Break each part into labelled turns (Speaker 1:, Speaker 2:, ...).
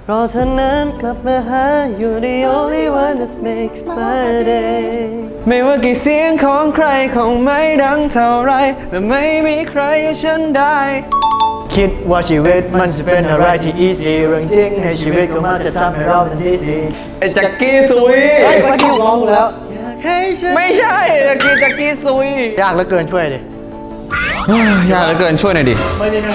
Speaker 1: รอเธอนั้นกลับมาหา You're the only one that makes my day
Speaker 2: ไม่ว่ากี่เสียงของใครคงไม่ดังเท่าไรแต่ไม่มีใครอย่างฉันได้
Speaker 3: คิดว่าชีวิตมันจะเป็นอะไรที่ easy เรื่องจริงในชีวิตก็มันจะทำให้เราเป็นที่สี
Speaker 2: ไอ้จักกี้ซุย
Speaker 1: เฮ้ยเมื่อกี้ร้องถูกแล้ว
Speaker 2: ไม่ใช่จักกี้ซุย
Speaker 3: ยากเหลือเกินช่วยดิ
Speaker 2: ยากเหลือเกินช่วยหน่อยดิ
Speaker 3: ไม่ได้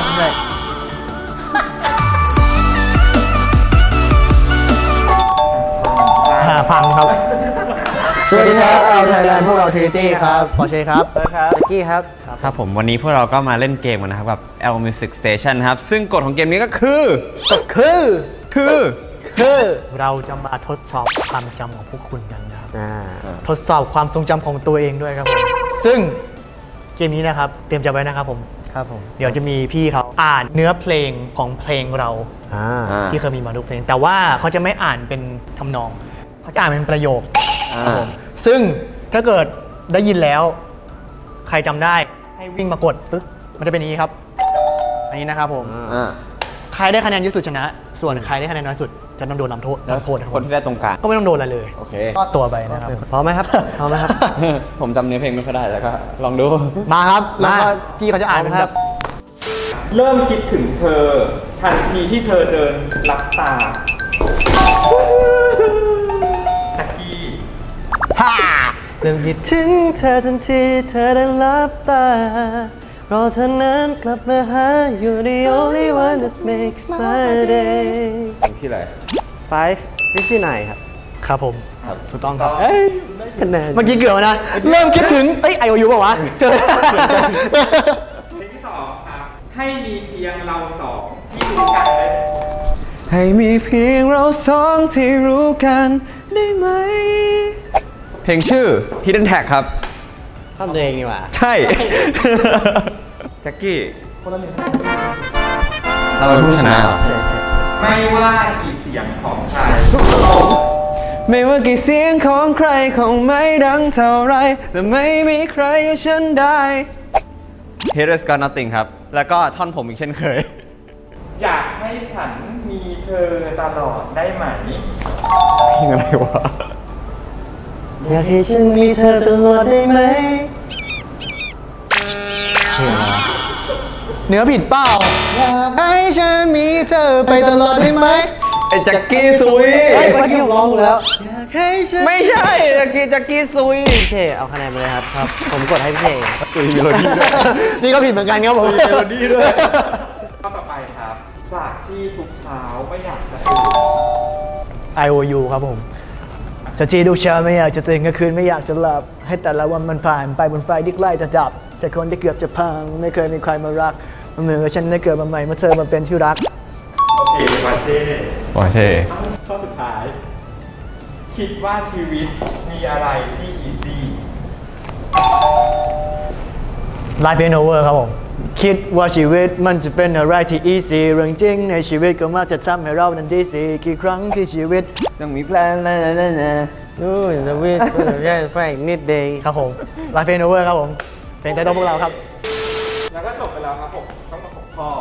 Speaker 3: พังครับสวัสดีครับเอาไทยแลนด์พวกเราทริตี้ครับปอเช่ครับ
Speaker 1: จักกี้ครับ
Speaker 2: ครับผมวันนี้พวกเราก็มาเล่นเกมกันนะครับกับ L Music Station ครับซึ่งกฎของเกมนี้ก็คือ
Speaker 3: เราจะมาทดสอบความจำของพวกคุณกันนะครับทดสอบความทรงจำของตัวเองด้วยครับผมซึ่งเกมนี้นะครับเตรียมใจไว้นะครับผมเดี๋ยวจะมีพี่เขาอ่านเนื้อเพลงของเพลงเราที่เคยมีมาทุกเพลงแต่ว่าเขาจะไม่อ่านเป็นทำนองเขาจะอ่านเป็นประโยคซึ่งถ้าเกิดได้ยินแล้วใครจำได้ให้วิ่งมากดตึ๊ดมันจะเป็นอย่างนี้ครับอันนี้นะครับผมใครได้คะแนนเยอะสุดชนะส่วนใครได้คะแนนน้อยสุดจะต้องโดนลำโทษ
Speaker 2: คนที่ได้ตรงกลาง
Speaker 3: ก็ไม่ต้องโดนอะไรเลยก็ตัวไปนะครับ
Speaker 1: พร้อมไหมครับ
Speaker 2: ผมจำเนื้อเพลงไม่ค่อยได้แล้วก็ลองดู
Speaker 3: มาครับแล้วก็พี่เขาจะอ่านเป็นแบบ
Speaker 4: เริ่มคิดถึงเธอทันทีที่เธอเดินลับตาตะกี้
Speaker 1: เริ่มคิดถึงเธอทันทีเธอได้ลับตารอเธอนั้นกลับมาหา You're the only one that makes my day
Speaker 2: ที่ไหน
Speaker 1: 5:59ครับ
Speaker 3: ผมถูกต้องครับ
Speaker 1: คะแนน
Speaker 3: เมื่อกี้เกือบนะเริ่มคิดถึงIOU ป่าววะ
Speaker 4: เพลงที่ 2ครับให้มีเพียงเราสองที่รู้กันได้
Speaker 2: ให้มีเพียงเราสองที่รู้กันได้ไหมเพลงชื่อ Hidden Tag ครับ
Speaker 1: ข้ามตัวเองนี่หว่า
Speaker 2: ใช่แจ็คกี้เราเป็นผู้ชนะ
Speaker 4: ไม่ว่ากี่เสียงของใคร
Speaker 2: ไม่ว่ากี่เสียงของใครคงไม่ดังเท่าไรแต่ไม่มีใครอย่างฉันได้ Haters Got Nothing ครับแล้วก็ท่อนผมอีกเช่นเคย
Speaker 4: อยากให้ฉันมีเธอตลอดได้ไหม
Speaker 2: เพลงอะไรวะ
Speaker 1: อยากให้ฉันมีเธอตลอดได้ไหม
Speaker 3: เนื้อผิดเปล่าอยากให้ฉันมีเธอไปตลอดได้ไหม
Speaker 2: ไอ้จักกี้ซุย
Speaker 1: เมื่อกี้ร้องถูกแล้ว
Speaker 2: ไม่ใช่จักกี้ซุย
Speaker 1: พี่เช่เอาคะแนนไปเลยครับผมกดให้พี่เช่
Speaker 2: ซุยมีโรดี้ด้วย
Speaker 3: นี่ก็ผิดเหมือนกันครับผม
Speaker 2: มีโรดี้ด้วย
Speaker 4: ข้อต่อไปครับจากที่ทุกเช้าไม่อยากจะ
Speaker 3: IOU ครับผมจะจีทุกเช้าไม่อยากจะตื่นกลางคืนไม่อยากจะหลับให้แต่ละวันมันผ่านไปบนไฟที่ใกล้จะดับจากคนที่เกือบจะพังไม่เคยมีใครมารักมันเหมือนกับฉันได้เกิดมาใหม่เมื่อเธอมาเป็นที่รัก
Speaker 4: โอเควาเช่ข้อสุดท้ายคิดว่าชีวิตมีอะไรที่ easy
Speaker 3: Life ain't over ครับผมคิดว่าชีวิตมันจะเป็นอะไรที่ easy เรื่องจริงในชีวิตก็มาจะทำให้เรานั้นดีสิกี่ครั้งที่ชีวิต
Speaker 1: ต้องมีแพลนนู่นชีวิตก็แค่แฝงนิดเดียว
Speaker 3: ครับผม Life ain't over ครับผมเพลงไทยต้องพวกเราครับ
Speaker 4: แล้วก็จบไปแล้วครับผมต้องมา6ข้อ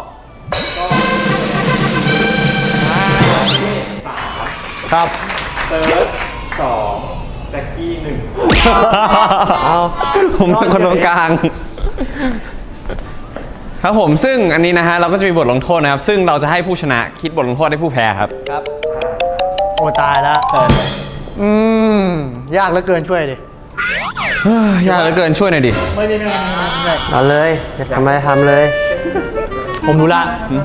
Speaker 4: ก็
Speaker 3: ครับ
Speaker 4: เติร์ด2แจ็คกี้1
Speaker 2: ผมเป็นคนตรงกลางครับผมซึ่งอันนี้นะฮะเราก็จะมีบทลงโทษนะครับซึ่งเราจะให้ผู้ชนะคิดบทลงโทษให้ผู้แพ้ครับ
Speaker 3: โอ้ตายแล้วยากเหลือเกินช่วยดิ
Speaker 2: ยากเหลือเกินช่วยหน่อยดิ
Speaker 3: ไม่ได้
Speaker 1: เอาเลยจะทำอะไรทำเลย
Speaker 3: ผมรู้ละ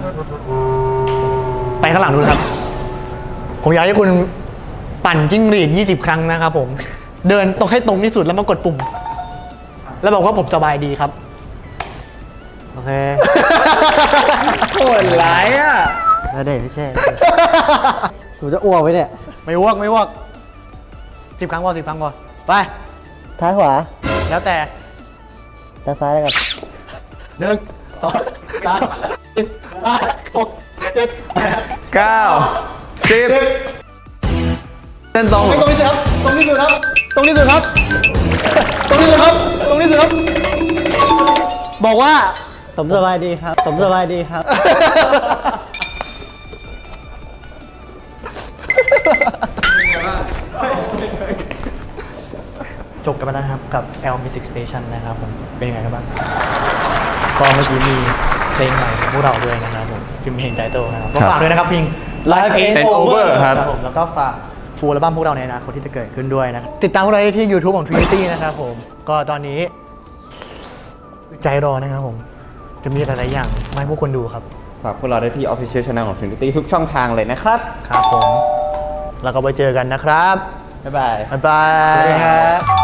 Speaker 3: ไปข้างหลังดูครับผมอยากให้คุณปั่นจิ้งหรีด20 ครั้งนะครับผมเดินตรงให้ตรงที่สุดแล้วมากดปุ่มแล้วบอกว่าผมสบายดีครับ
Speaker 1: โอเค
Speaker 2: โหดร้ายอ่ะ
Speaker 1: แล้วเด็กพี่เช่หนูจะอ้วกไว้เนี่ย
Speaker 3: ไม่อ้วก10 ครั้งพอ10 ครั้งพอไป
Speaker 1: ท้ายขวา
Speaker 3: แล้วแต่
Speaker 1: ซ้ายแล้วกัน
Speaker 3: 1 2 3 4 5 6 7 8
Speaker 2: 9 10เส้นตรง
Speaker 3: ที่สุดครับตรงที่สุดครับบอกว่า
Speaker 1: ผมสบายดีครับ
Speaker 3: จบกันไปแล้วนะครับกับ L Music Station นะครับผมเป็นยังไงกันบ้างก็เมื่อกี้มีเพลงใหม่ของพวกเราด้วยนะครับผมพิมพ์เพลงใจโตนะครับก็ฝากด้วยนะครับเพลง Live Ain't Over ครับผมแล้วก็ฝากฟูลอัลบั้มพวกเราในอนาคตที่จะเกิดขึ้นด้วยนะติดตามพวกเราได้ที่ YouTube ของ Trinity นะครับผมก็ตอนนี้ใจรอนะครับผมจะมีหลายๆอย่างมาให้พวกคนดูครับ
Speaker 2: ฝากพวกเราได้ที่ Official Channel ของ Trinity ทุกช่องทางเลยนะครับ
Speaker 3: ครับผมแล้วก็ไปเจอกันนะครับ
Speaker 2: บ๊ายบาย
Speaker 3: บ๊ายบาย
Speaker 1: สวัสดีครับ